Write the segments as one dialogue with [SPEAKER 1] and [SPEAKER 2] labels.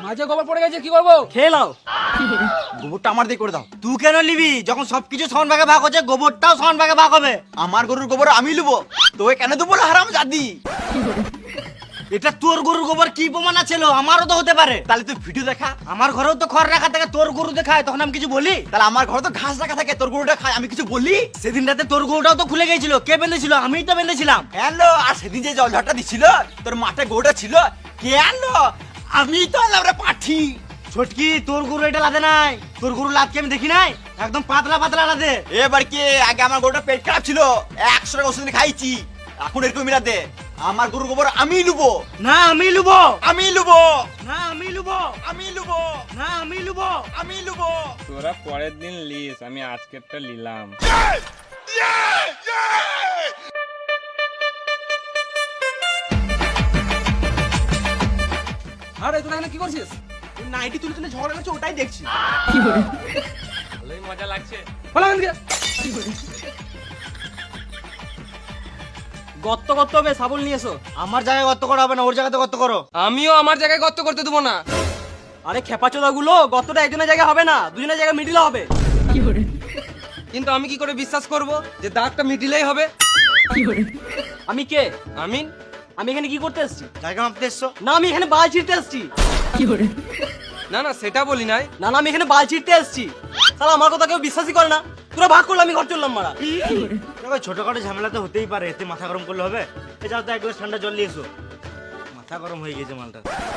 [SPEAKER 1] মাঝে গোবর পড়ে গেছে, কি করবো?
[SPEAKER 2] খেয়ে নাও।
[SPEAKER 3] গোবরটা আমার দিয়ে করে দাও। তুই কেন নিবি? যখন সবকিছু সমান ভাগে ভাগ হচ্ছে, গোবরটাও সমান ভাগে ভাগ হবে। আমার গরুর গোবর আমি লুবো, তোকে কেন দেবো হারাম জাদি? এটা তোর গরুর গোবর কি প্রমাণ আছে? আমারও তো হতে পারে। তাহলে তুই ভিডিও দেখা। আমার ঘরেও তো খড় রাখা থাকে, তোর গরু দেখায়, তখন আমি কিছু বলি? তাহলে আমার ঘরে তো ঘাস রাখা থাকে, তোর গরুটা খায়, আমি কিছু বলি? সেদিন রাতে তোর গরুটাও তো খুলে গেছিল, কে বেঁধেছিল? আমিই তো বেঁধেছিলাম। হ্যালো, আর সেদিন যে জলঝড়টা দিছিল, তোর মাঠে গরুটা ছিল, কে আনলো? আমিই তো আনলাম রে পাঠি। ছোটকি, তোর গরু এটা লাদে নাই, তোর গরু লাদকে আমি দেখি নাই, একদম পাতলা পাতলা লাদে। এবার কি? আগে আমার গরুটা পেট খারাপ ছিল, 100 টাকা ওষুধ খাইছি, এখন এরকম মিলাতে। আমার গরুর গোবর আমি লুবো। না আমি লুবো, আমি লুবো, না আমি লুবো, আমি লুবো, না আমি লুবো, আমি লুবো।
[SPEAKER 4] তোরা পরের দিন লিস, আমি আজকেরটা নিলাম।
[SPEAKER 1] আরে তোরা এখানে কি করছিস?
[SPEAKER 3] নাইটি তুলে তুলে ঝগড়া করছে, ওটাই দেখছি।
[SPEAKER 4] ভালোই মজা লাগছে।
[SPEAKER 1] বলা কেন কে?
[SPEAKER 2] গর্ত করতে হবে, শাবল নিয়ে এসো।
[SPEAKER 3] আমার জায়গায় গর্ত করা হবে না, ওর জায়গাতে গর্ত করো।
[SPEAKER 1] আমিও আমার জায়গায় গর্ত করতে দেবো না।
[SPEAKER 2] আরে খেপাচোদা গুলো, গর্তটা একজনের জায়গায় হবে না, দুজনের জায়গায় মিডিলে হবে।
[SPEAKER 1] কিন্তু আমি কি করে বিশ্বাস করব যে দাগটা মিডিলেই হবে?
[SPEAKER 2] আমি কে?
[SPEAKER 1] আমিন।
[SPEAKER 2] আমি এখানে কি করতে এসেছি?
[SPEAKER 3] জায়গা মাপতে এসছো?
[SPEAKER 2] না, আমি এখানে বাল ছিঁড়তে এসেছি।
[SPEAKER 1] না না, সেটা বলি নাই।
[SPEAKER 2] না না, আমি এখানে বাল ছিঁড়তে এসেছি। তাহলে আমার কথা কেউ বিশ্বাসই করে না। তোরা ভাগ করলে আমি ঘর চললাম মারা।
[SPEAKER 3] দেখো, ছোটখাটো ঝামেলা তো হতেই পারে, এতে মাথা গরম করলে হবে? এ যাও তো, এক গ্লাস ঠান্ডা জল নিয়ে এসো, মাথা গরম হয়ে গেছে মালটা।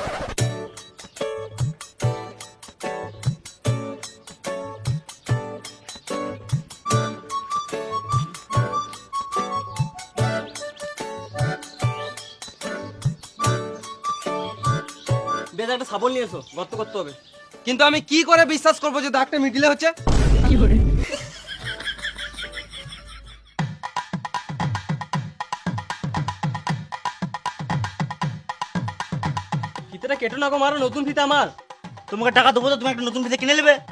[SPEAKER 2] বেশ, একটা শাবল নিয়ে এসো, গর্ত করতে হবে।
[SPEAKER 1] কিন্তু আমি কি করে বিশ্বাস করব যে দাগটা মিডিলে হচ্ছে?
[SPEAKER 2] ফিতেটা কেটো না গো মারো, নতুন ফিতে আমার।
[SPEAKER 3] তোমাকে টাকা দেবো তো, তুমি একটা নতুন ফিতে কিনে নেবে।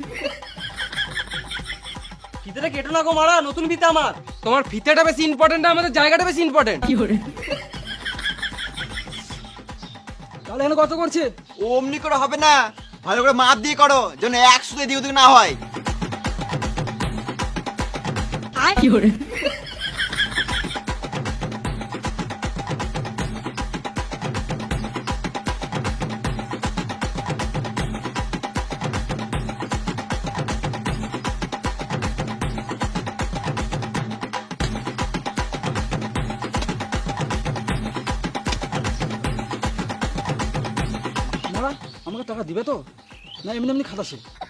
[SPEAKER 2] ফিতেটা কেটো না গো মারা, নতুন ফিতে আমার।
[SPEAKER 1] তোমার ফিতেটা বেশি ইম্পর্টেন্ট না আমাদের জায়গাটা বেশি ইম্পর্টেন্ট? তাহলে এখানে কত করছে?
[SPEAKER 3] অমনি করে হবে না, ভালো করে মাপ দিয়ে করো, যেন 100 দিয়ে ওদিকে না হয়।
[SPEAKER 1] মারা, আমাকে টাকা দিবে তো? না এমনি এমনি খাতাছে?